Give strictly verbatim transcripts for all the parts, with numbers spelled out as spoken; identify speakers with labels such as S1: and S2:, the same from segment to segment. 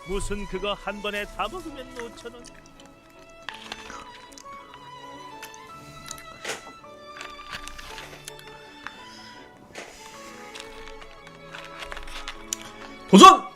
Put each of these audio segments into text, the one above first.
S1: 무슨 그거 한 번에 다 먹으면 오천 원.
S2: 도전!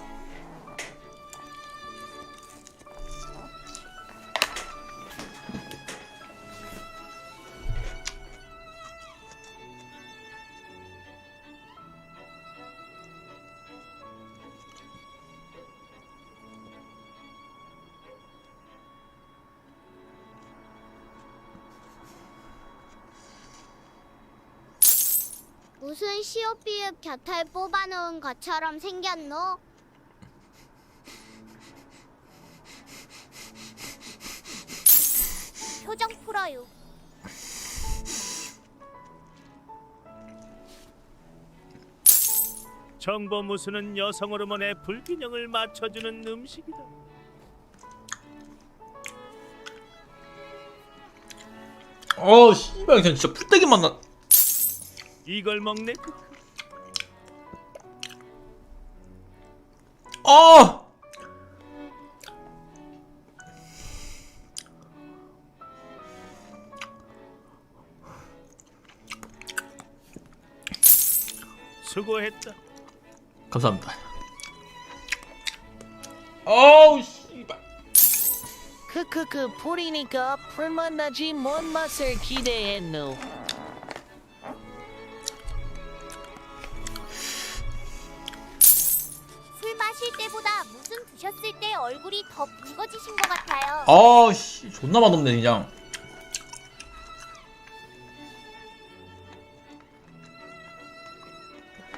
S3: 무슨 시옷비읍 곁을 뽑아놓은 것처럼 생겼노? 표정 풀어요.
S1: 정보무수는 여성 호르몬의 불균형을 맞춰주는 음식이다.
S2: 어 씨발 그냥 진짜 풀떼기 맛나.
S1: 이걸 먹네.
S2: 아!
S1: 수고했다.
S2: 감사합니다. 어우 씨발.
S4: 크크크 풀이니까 풀맛 나지 뭔 맛을 기대했노.
S3: 술 마실 때보다 무슨 드셨을 때 얼굴이 더 붉어지신 것 같아요.
S2: 아 씨 존나 맛없네 그냥.